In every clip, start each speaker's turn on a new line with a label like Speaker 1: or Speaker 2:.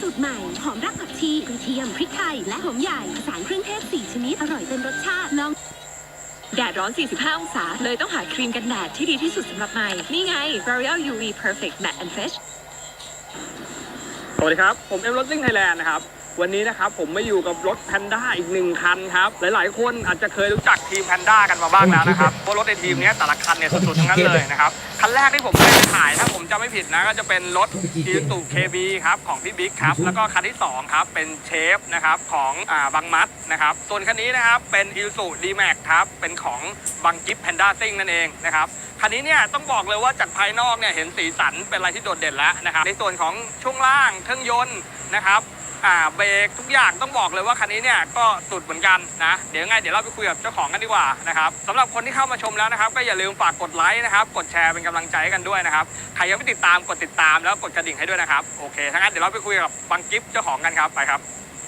Speaker 1: สูตรใหม่หอมรากผักชีกระเทียมพริกไทยและหอมใหญ่ผสานเครื่องเทศ4ชนิดอร่อยเต็มรสชาติลองแดดร้อน 45 องศาเลยต้องหาครีมกันแดดที่ดีที่สุดสำหรับใหม่นี่ไง L'Oreal UV Perfect Matte and Fresh
Speaker 2: สวัสดีครับผมเอ็มรถซิ่งไทยแลนด์นะครับวันนี้นะครับผมมาอยู่กับรถแพนด้าอีก1คันครับหลายๆคนอาจจะเคยรู้จักทีมแพนด้ากันมาบ้างแล้วนะครับเพราะรถในทีมนี้แต่ละคันเนี่ยสุดๆทั้งนั้นเลยนะครับคันแรกที่ผมเคยถ่ายถ้าผมจำไม่ผิดนะก็จะเป็นรถ Isuzu KB ครับของพี่บิ๊กครับแล้วก็คันที่2ครับเป็นเชฟนะครับของบังมัดนะครับส่วนคันนี้นะครับเป็น Isuzu D-Max ครับเป็นของบังกิฟแพนด้าซิ่งนั่นเองนะครับคันนี้เนี่ยต้องบอกเลยว่าจากภายนอกเนี่ยเห็นสีสันเป็นอะไรที่โดดเด่นแล้วนะครับในส่วนของช่วงล่างเครื่องยนต์นะครับเบรกทุกอย่างต้องบอกเลยว่าคันนี้เนี่ยก็สุดเหมือนกันนะเดี๋ยวเราไปคุยกับเจ้าของกันดีกว่านะครับสำหรับคนที่เข้ามาชมแล้วนะครับก็อย่าลืมฝากกดไลค์นะครับกดแชร์เป็นกำลังใจกันด้วยนะครับใครยังไม่ติดตามกดติดตามแล้วกดกระดิ่งให้ด้วยนะครับโอเคถ้างั้นเดี๋ยวเราไปคุยกับบังกิฟเจ้าของกันครับไปครับ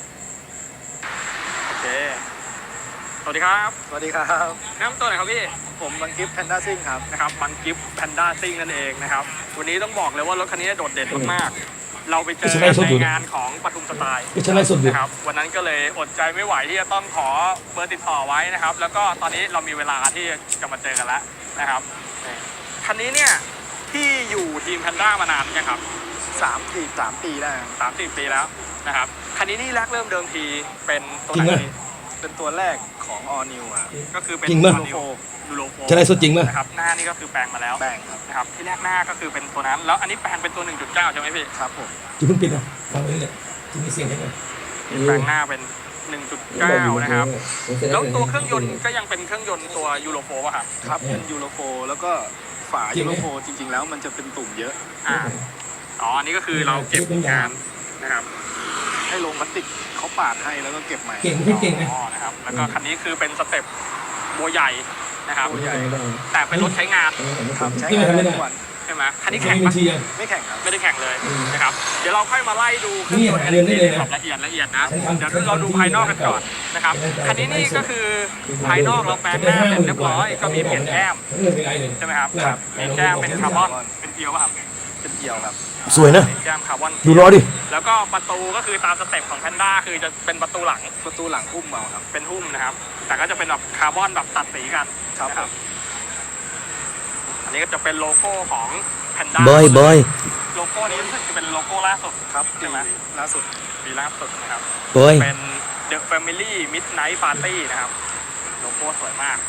Speaker 2: โอเคสวัสดีครับ
Speaker 3: สวัสดีครับ
Speaker 2: แนะนำตัวหน่อยครับพี่
Speaker 3: ผมบังกิฟแพนด้าซิ่งครับ
Speaker 2: นะครับบังกิฟแพนด้าซิ่งนั่นเองนะครับวันนี้ต้องบอกเลยว่ารถคันนี้โดดเด่นมากเราไปเจอในงานของปทุมสไตล์นะครับวันนั้นก็เลยอดใจไม่ไหวที่จะต้องขอเบอร์ติดต่อไว้นะครับแล้วก็ตอนนี้เรามีเวลาที่จะมาเจอกันแล้วนะครับคันนี้เนี่ยที่อยู่ทีมแพนด้ามานานยังครับ
Speaker 3: 3 ปีแล้ว
Speaker 2: 3-4 ปีแล้วนะครับคันนี้นี่แรกเริ่มเดิมทีเป็นตัวไหน
Speaker 3: เป็นตัวแรกของ All New
Speaker 2: ก็คือเป็นยูโรโฟ
Speaker 4: จะได้สุดจริงไหม
Speaker 2: นะครับหน้านี่ก็คือแปลงมาแล้ว
Speaker 3: แปลงครับ
Speaker 2: นะครับที่แรกหน้าก็คือเป็นตัวนั้นแล้วอันนี้แปลงเป็นตัว 1.9 ใช่ไหมพี่
Speaker 3: ครับผม
Speaker 4: จะเพิ่งปิดนะฟังเลยเนี่ยจะมีเสียงได้ไหม
Speaker 2: แปลงหน้าเป็น 1.9 นะครับแล้วตัวเครื่องยนต์ก็ยังเป็นเครื่องยนต์ตัวยูโรโฟป่ะครับ
Speaker 3: ครับเป็นยูโรโฟแล้วก็ฝายูโรโฟจริงๆแล้วมันจะเป็นตุ่มเยอะ
Speaker 2: อันนี้ก็คือเราเก็บงานนะครับ
Speaker 3: ให้ลงพลาสติกเขาปาดให้แล้วก็เก็บใหม่
Speaker 4: เก่งไม่เก่ง
Speaker 2: นะครับแล้วก็คันนี้คือเป็นสเต็ปบัวใหญ่นะครับแต่เป็นรถใช้งาน
Speaker 3: ครับใช้งานได้ทุกวัน
Speaker 2: ใช่ไหมคันนี้แข่งไหม
Speaker 3: ไม่แข่งครับ
Speaker 2: ไม่ได้แข่งเลยนะครับเดี๋ยวเราค่อยมาไล่ดูเครื่องยนต์กันแบบละเอียดนะเดี๋ยวเราดูภายนอกกันก่อนนะครับคันนี้นี่ก็คือภายนอกเราแปลงหน้าเสร็จเรียบร้อยก็มีเปลี่ยนแก้มใช่ไหมครับมีแก้มเป็นคาร์บอนเป็นเกลียวป่ะครับ
Speaker 3: เป็นเกลียวครับ
Speaker 4: สวยนะ
Speaker 2: แก้มคาร์บอน
Speaker 4: ดูรอดิ
Speaker 2: แล้วก็ประตูก็คือตามสเต็ปของแพนด้าคือจะเป็นประตูหลัง
Speaker 3: หุ้มเอาครับ
Speaker 2: เป็นหุ้มนะครับแต่ก็จะเป็นแบบคาร์บอนแบบตัดสีกัน
Speaker 3: ครับ
Speaker 2: อันนี้ก็จะเป็นโลโก้ของแพนด้า
Speaker 4: บอย
Speaker 2: โลโก้นี้รู้สึกจะเป็นโลโก้ล่าสุด
Speaker 3: ครับ
Speaker 2: ใช่ไหม
Speaker 3: ล่าสุด
Speaker 2: นะครับ
Speaker 4: บอย
Speaker 2: เป็น The Family Midnight Party นะครับโลโก้สวยมาก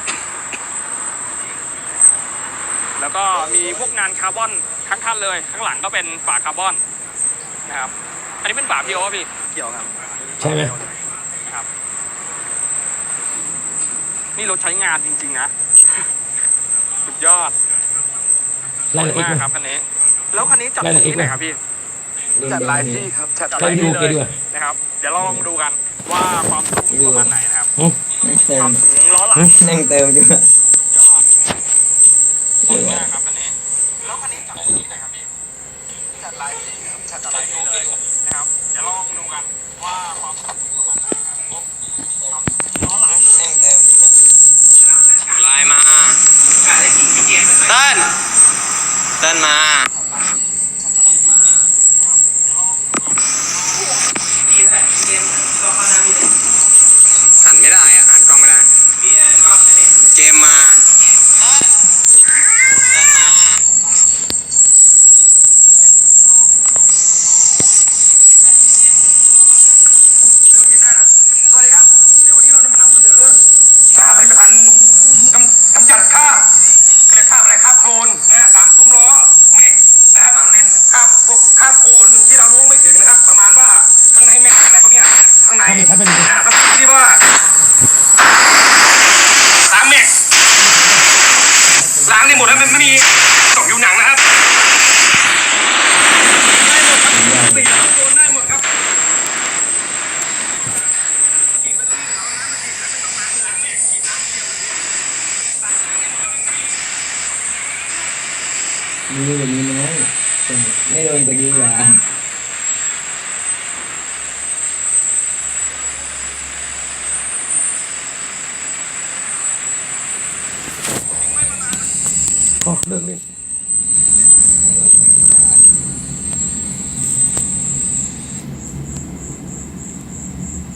Speaker 2: แล้วก็มีพวกงานคาร์บอนทั้งคันเลยข้างหลังก็เป็นฝาคาร์บอนนะครับอันนี้เป็นฝาพีโอพี่
Speaker 3: เกี่ยวครับ
Speaker 4: ใช่ไหม
Speaker 2: ครับนี่รถใช้งานจริงๆนะสุดยอด
Speaker 4: สวย
Speaker 2: มากครับคันนี้แล้วคันนี้จัดตรงที่ไหนครับพี่
Speaker 3: จัดหลายที่ครับจัด
Speaker 4: หลายที่เลย
Speaker 2: นะครับเดี๋ยวเราลองดูกันว่าความสูงประมาณไหนนะครับความสูงล้อหลัง
Speaker 4: นั่งเติมอยู่
Speaker 2: ยอดสวยมากครับคันนี้แล้วคันนี้จัดตรงที่ไหนครับพี่
Speaker 3: จัดหลายที่ครับ
Speaker 2: จัดหลายที่เลยนะครับเดี๋ยวลองดูกันว่าความสูงประมาณไหนครับล้อหลัง
Speaker 5: นั่งเติมไลน์มาเติ้ลมาหันไม่ได้หันกล้องไม่ได้เกมมา
Speaker 2: สวัสดีครับเดี๋ยววันนี้เราจะมานำเสนอผลิตภัณฑ์กำจัดคราบเรียกคราบอะไรคราบโคลนนะตามซุ้มล้อแม็กนะครับเล่นคราบพวกคราบโคลนที่เราล้วงไม่ถึงนะครับประมาณว่าข้างในแม็กอะไรพวกนี้ข้างในที่ว่า3 แม็กล้างได้หมดแล้วไม่มีตกอยู่หนังนะครับได้หมดครับ
Speaker 4: มีแบบนี้น้อยไม่โดนตะกี้หรอเลิกเล่น